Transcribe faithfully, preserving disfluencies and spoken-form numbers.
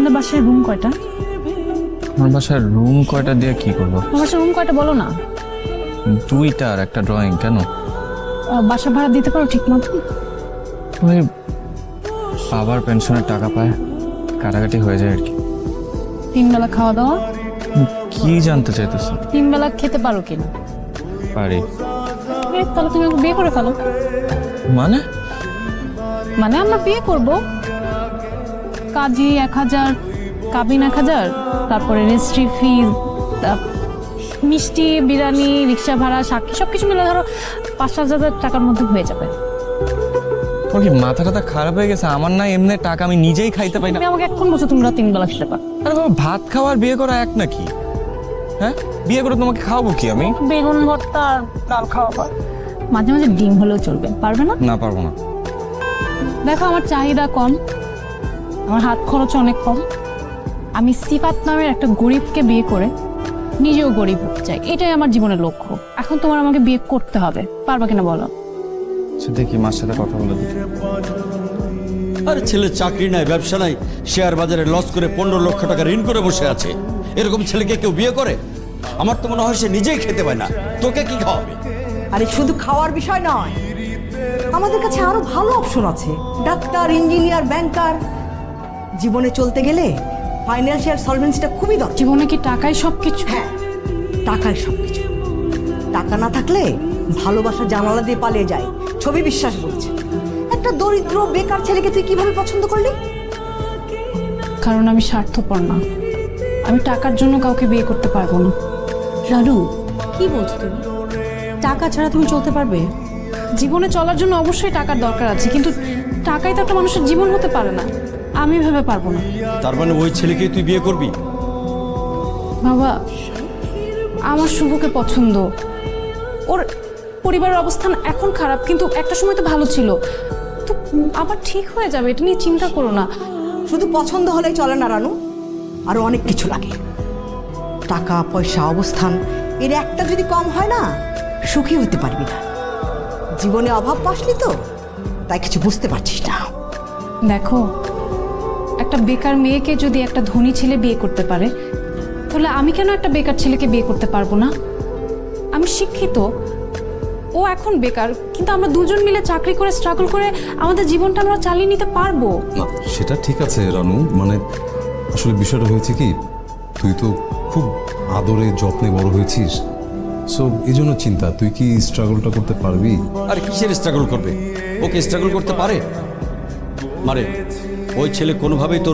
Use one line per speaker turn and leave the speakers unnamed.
তোমাদের বাসায় রুম কয়টা?
আমার বাসায় রুম কয়টা দিয়ে কি করবো?
তোমার বাসায় রুম কয়টা বলো না।
দুইটা আর একটা ড্রয়িং। কেন?
আহ, বাসা ভাড়া দিতে পারো ঠিক মতো?
ওই বাবার পেনশনের টাকা পায়, কাটাকাটি হয়ে যায় আর কি।
তিন বেলা খাওয়া দাওয়া?
কি জানতে চাইতেছ?
তিন বেলা খেতে পারো কিনা?
পারি।
এ, তাহলে তুমি আমাকে বিয়ে করে ফেলো।
মানে?
মানে আমরা বিয়ে করব, কাজী এক হাজার, কাবিন এক হাজার, তারপরে রেজিস্ট্রি ফি, মিষ্টি, বিরিয়ানি, রিক্সা ভাড়া, সাক্ষী সবকিছু মিলে ধরো পাঁচ সাত হাজার টাকার মধ্যে হয়ে যাবে।
তোর কি মাথা টাথা খারাপ হয়ে গেছে? আমার না এমনি টাকা আমি নিজেই খাইতে পাই না।
তুমি আমাকে এখন বলছো তোমরা তিন বেলা খেতে পারো?
আরে বাবা, ভাত খাওয়া আর বিয়ে করা এক নাকি? হ্যাঁ, বিয়ে করে তোমাকে খাওয়াবো কি আমি?
বেগুন ভর্তা আর ডাল খাওয়া, মাঝে মাঝে ডিম হলেও চলবে। পারবে না?
না, পারবো না।
দেখো আমার চাহিদা কম, আমার হাত খরচ অনেক কম। আমি সিফাত নামের একটা গরিবকে বিয়ে করে নিজেও গরিব হতে চাই, এটাই আমার জীবনের লক্ষ্য। এখন তোমার আমাকে বিয়ে করতে হবে, পারবা কিনা বলো?
সে দেখি মার সাথে কথা বলে দিই।
আরে ছেলের চাকরি নাই, ব্যবসা নাই, শেয়ার বাজারে লস করে পনেরো লক্ষ টাকা ঋণ করে বসে আছে। এরকম ছেলেকে কেউ বিয়ে করে? আমার তো মনে হয় সে নিজেই খেতে পায় না, তোকে কি খাওয়াবে?
আরে শুধু খাওয়ার বিষয় নয়, আমাদের কাছে আরো ভালো অপশন আছে। Doctor, engineer, banker. জীবনে চলতে গেলে ফাইন্যান্সিয়াল সলভেন্সিটা খুবই দরকার।
জীবনে কি টাকাই সবকিছু?
হ্যাঁ, টাকাই সবকিছু। টাকা না থাকলে ভালোবাসা জানালা দিয়ে পালিয়ে যায়, ছবি বিশ্বাস বলছে। একটা দরিদ্র বেকার ছেলেকে তুই কিভাবে পছন্দ করলি?
কারণ আমি স্বার্থপর না, আমি টাকার জন্য কাউকে বিয়ে করতে পারবো না।
রানু, কি বলছো তুমি? টাকা ছাড়া তুমি চলতে পারবে?
জীবনে চলার জন্য অবশ্যই টাকার দরকার আছে, কিন্তু টাকাই তো একটা মানুষের জীবন হতে পারে না। আমি ভেবে পারবো না।
তার মানে ওই ছেলেকে তুই বিয়ে করবি?
বাবা, আমার শুভকে পছন্দ। ওর পরিবারের অবস্থান এখন খারাপ, কিন্তু একটা সময় তো ভালো ছিল। তো আবার ঠিক হয়ে যাবে, এটা নিয়ে চিন্তা করো না।
শুধু পছন্দ হলেই চলে না রানু, আরো অনেক কিছু লাগে। টাকা পয়সা, অবস্থান, এর একটা যদি কম হয় না, সুখী হতে পারবি না। জীবনে অভাব পাসনি তো, তাই কিছু বুঝতে পারছিস না।
দেখো, একটা বেকার মেয়েকে যদি একটা ধনী ছেলে বিয়ে করতে পারে, তাহলে আমি কেন একটা বেকার ছেলেকে বিয়ে করতে পারবো না? আমি শিক্ষিত, ও এখন বেকার, কিন্তু আমরা দুজন মিলে চাকরি করে স্ট্রাগল করে আমাদের জীবনটা আমরা চালিয়ে নিতে পারবো।
না, সেটা ঠিক আছে রানু, মানে আসলে বিষয়টা হয়েছে কি, তুই তো খুব আদরে যত্নে বড় হয়েছিস, সো এই জন্য চিন্তা, তুই কি স্ট্রাগলটা করতে পারবি?
আর কিসের স্ট্রাগল করবে? ওকে স্ট্রাগল করতে পারে? মারে, ওই ছেলে কোনোভাবেই তোর